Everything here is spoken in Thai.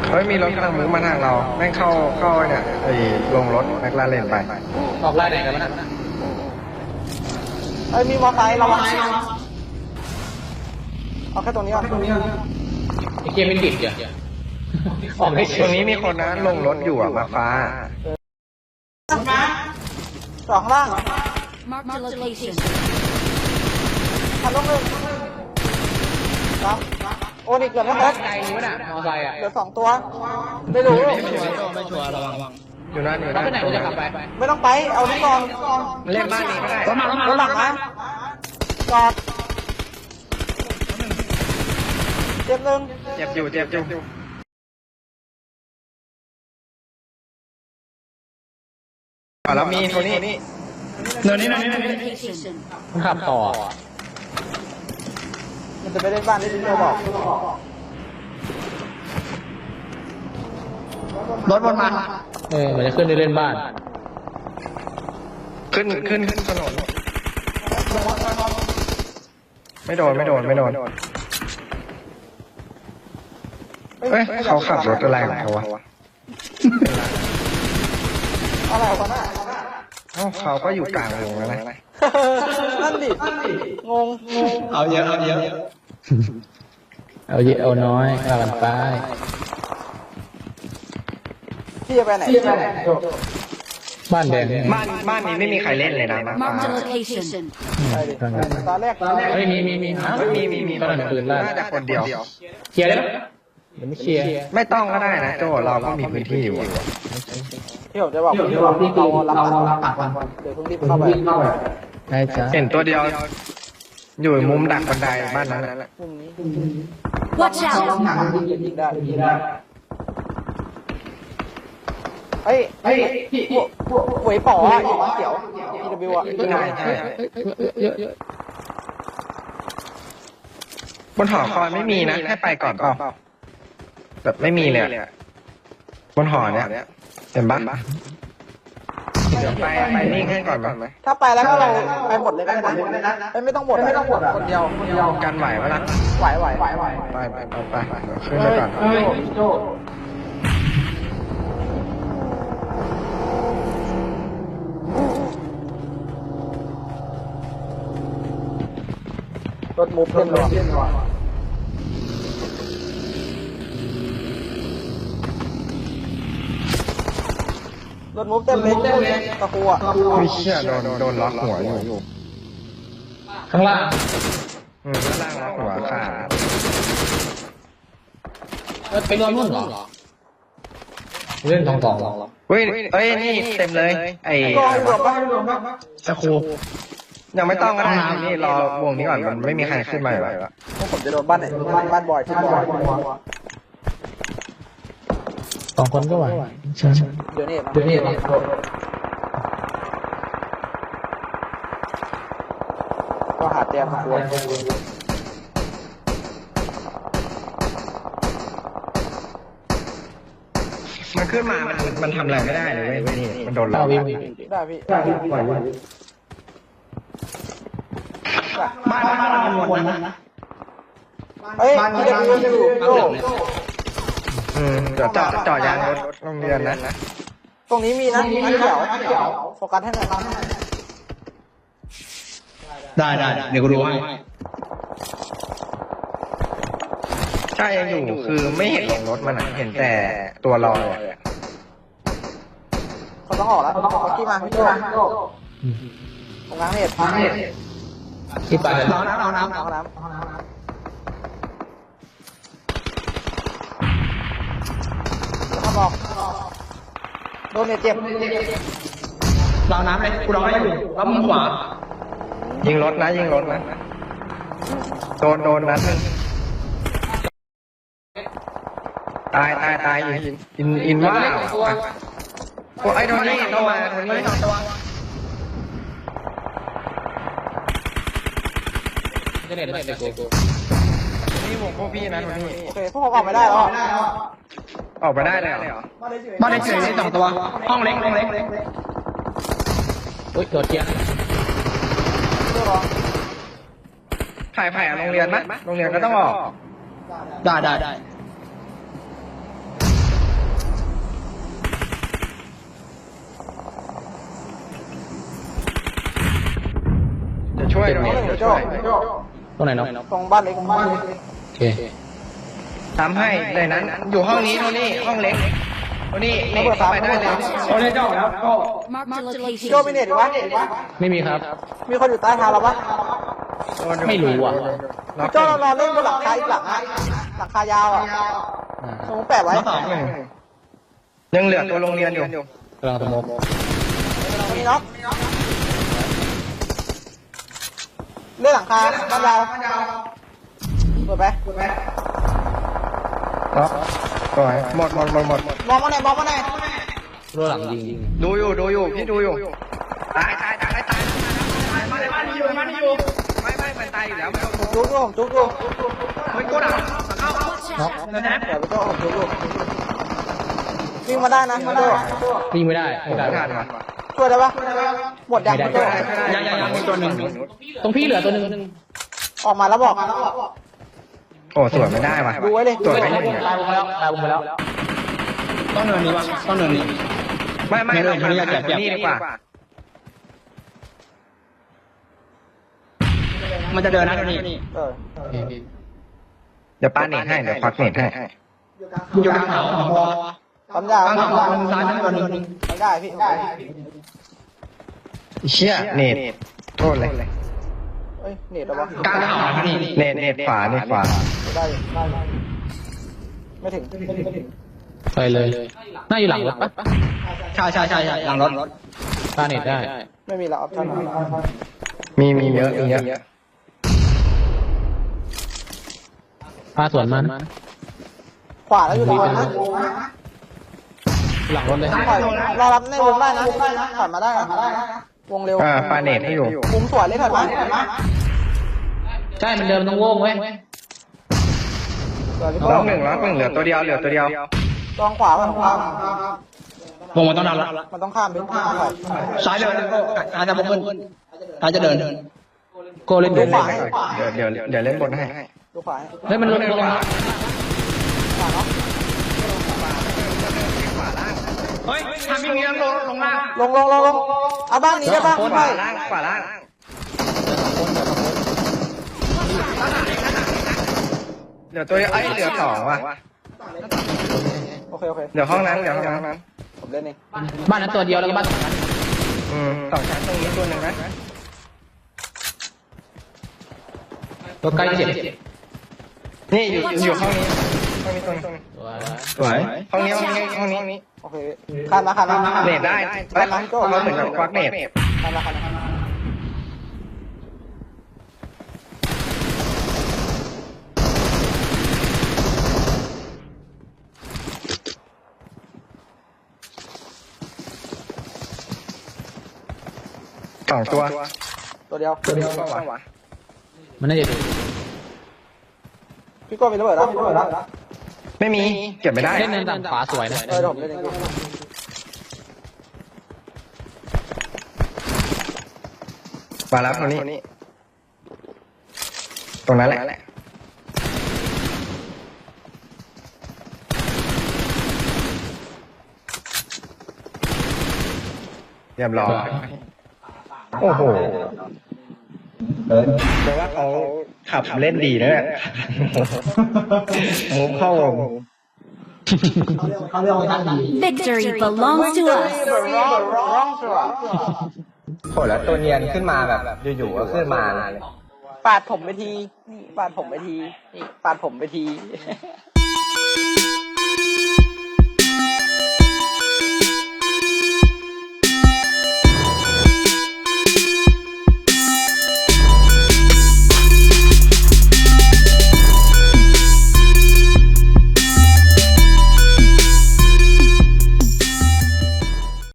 เฮ้ยมีรถกำลังมุ่งมาทางเราแม่งเข้าเนี่ยไอ้ลงรถแม็กลาเรนไปออกไล่ไหนกันวะน่ะมีมอเตอร์ไซค์ระวังเอาแค่ตรงนี้ก่อนไอ้เกมไม่ติดอ่ะออกได้ตรงนี้มีคนนะลงรถอยู่อ่ะมาฟ้าสองล่าง Mark the location. ทันลงหนึ่งครับโอ้นี่เกือบไม่ครบไกลนี่วะน่ะมอไซค์อ่ะเหลือ2 ตัวไม่รู้ไม่ชัวร์ระวังอยู่นั่นอยู่นั่นไปไหนเราจะกลับไปไม่ต้องไปเอานี่ก่อนเล่นบ้านนี้ก็ได้รถหลังนะจอดเจ็บหนึ่งเจ็บอยู่แล้วมีตัวนี้ Location. มันขับต่อมันจะไปเล่นบ้านที่พี่โจบอกรถวนมามันจะขึ้นไปเล่นบ้านขึ้นถนนไม่โดนเฮ้ยเขาขับรถอะไรของเขาวะอะไรวะน่ะเขาก็อยู่กลางวงแล้วนะนั่นดิงงเอาเยอะเอาน้อยเอากันไปพี่จะไปไหนบ้านแดงบ้านนี้ไม่มีใครเล่นเลยนะ Mark the location. ตอนแรกเฮ้ยมีตอนนั้นปืนลั่นน่าจะคนเดียวเคลียร์แล้วเดี๋ยวไม่เคลียร์ไม่ต้องก็ได้นะโจเราก็มีพื้นที่อยู่พี่ผมจะบอกเรารับปากวันเดี๋ยวเพิ่งรีบเข้าไปได้จ้ะเห็นตัวเดียวอยู่มุมดักบันไดบ้านนั้นแหละมุมนี้ Watch out. ยิงได้เฮ้ยหวยป๋ออ่ะเขียว PW อ่ะใช่บนหอคอยไม่มีนะให้ไปก่อนเปล่าแบบไม่มีเลยบนหอเนี้ยเห็นปะเดี๋ยวไปนี่ขึ้นก่อนไหมถ้าไปแล้วก็เราไปหมดเลยก็ได้นะไม่ต้องหมดคนเดียวกันไหวปะล่ะไหวไปขึ้นไปก่อนรถมุฟเล่นหรอรถมุฟเต้นเล็กตะคูอ่ะไม่เชื่อโดนล็อกหัวอยู่ข้างล่างข้างล่างล็อกหัวขาไปรวมนู่นเหรอเล่น2-2หรอเฮ้ยนี่เต็มเลยไอ้สกูยังไม่ต้องก็ได้นี่รอวงนี้ก่อนมันไม่มีใครขึ้นมาเลยผมจะโดนบ้านไหนบ้านบอยที่บอย 2 คนก็ไหวเดี๋ยวนี้ก็หาเตียงมาควรมันขึ้นมามันทำอะไรไม่ได้เลยเว้ยนี่มันโดนล็อกได้พี่บ้านมันควรนะเฮ้ยพี่จะดูเดี๋ยวจอดยางรถโรงเรียนนะตรงนี้มีนะเขียวโฟกัสให้หน่อยได้เดี๋ยวกูดูให้ใช่ยังอยู่คือไม่เห็นลงรถมันเห็นแต่ตัวเราเขาต้องออกแล้วเขาขี้มาพี่โจ้ตรงล้างเน็ตที่ไปเอาน้ำแล้วบอกโดนเน็ตเจ็บรอน้ำเลยกูรอให้อยู่แล้วมือขวายิงรถนะโดนนัดนึงตายอินว่าโอ้ไอ้โดนนี่ต้องมาโดนนี่เน็ตกูนี่วงพวกพี่นะพี่โอเคพวกเขาออกไม่ได้หรอออกไปได้เลยเหรอบ้านเล็ก2 ตัวห้องเล็กอุ้ยโดดเกียร์ไผ่โรงเรียนไหมโรงเรียนก็ต้องออกได้เดี๋ยวน้องหนึ่งเดี๋ยวโจ้ช่วยตรงไหนน้องตรงบ้านเล็กโอเคทำให้เลยนั้น อยู่ห้องนี้โทนี่ห้องเล็กโทนี่เล็กไปได้เลยโอ้ยเจ้าแล้วก็ Marked a โจ้ location. มีเน็ตหรือวะไม่มีครับมีคนอยู่ใต้เท้าเราปะไม่รู้อ่ะโจ้เรานอนเล่นบนหลังคาอีกหลังอะหลังคายาวอ่ะตรงแปะไว้ยังเหลือตัวโรงเรียนอยู่กำลังสโมกมีน็อกเล่นหลังคาบ้านยาวเปิดไปครับก่อนหมดมองมาไหนมองมาไหนรั่วหลังยิงดูอยู่พี่ดูอยู่ตายมาในบ้านอยู่ไม่มันตายอยู่แล้วไม่ต้องจุกดูผมจุกดูไม่กูดังเข้า Watch out. เดี๋ยวไปโจ้ผมจุกดูวิ่งมาได้นะมาโจ้วิ่งไม่ได้ไม่ได้ทันว่ะช่วยได้ปะหมดยังโจ้ยังมีตัวหนึ่งตรงพี่เหลือตัวหนึ่งออกมาแล้วบอกโอ้สวยไม่ได้ว่ะดูไว้เลยสวยไม่ได้เนี่ยตายลงแล้วตายลงไปแล้วต้องเนินนี้วะต้องเนินนี้ไม่ไม่เราไม่ไม่อยากเปรียบนี่ดีกว่ามันจะเดินนะตัวนี้เออเดี๋ยวป้าเน็ตให้เดี๋ยวควักเน็ตให้อยู่กลางเขาพอปั๊มยาวกลางเขาซ้ายนั่นตัวหนึ่งไม่ได้พี่เชี่ยเน็ตโทษเลยเอ้ยเน็ตแล้ววะกลางเขานี่เน็ตขวาได้ไม่ถึงไปเลยน่าอยู่หลังรถปะใช่หลังรถตาเน็ตได้ไม่มีแล้วออปชั่นมีเยอะเยอะพาสวนมันขวาแล้วอยู่ตรงนั้นนะหลังรถเลยถอยรอรับในวงได้นะถอยมาได้นะวงเร็วป้าเน็ตให้อยู่มุมสวยเลยถอยมาใช่มันเดินต้องโว่งเว้ยล็อกหนึ่งเหลือตัวเดียวตองขวาขวาวงมันต้องดันละมันต้องข้ามไปข้ามถอยซ้ายเดินอาจจะบกขึ้นอาจจะเดินโกเล่นเดี๋เดิยวน เดี๋ยวเล่นบนให้ดูขวาเฮ้ยมันลงลงขวาเนาะเฮ้ยทำยังไงลงล่างลงเอาบ้านนี้ได้บ้างขไปวาล่างเดี๋ยวตัวเหลือสองว่ะโอเคเดี๋ยวห้องนั้นผมเล่นเองบ้านนั้นตัวเดียวแล้วก็บ้านสองชั้นตรงนี้ตัวหนึ่งนะตัวใกล้เจ็บนี่อยู่ห้องนี้ตัวนึงสวยห้องนี้โอเคข้ามมาเน็ตได้เราเหมือนกับควักเน็ตข้ามมาสองตัวตัวเดียวก็วะมันน่าจะพี่โก้มีระเบิดแล้วไม่มีเก็บไม่ได้เล่นเนินต่างขวาสวยนะเดี๋ยวผมเล่นเองมาแล้วตรงนี้ตรงนั้นแหละเรียบร้อยโอ้โหแปลว่าเขาขับเล่นดีนะเนี่ยมุมเข้าวง Victory belongs to us. ร้องชัวโหแล้วตัวเนียนขึ้นมาแบบอยู่ๆก็ขึ้นมาเลยปาดผมไปทีนี่ปาดผมไปทีนี่ปาดผมไปที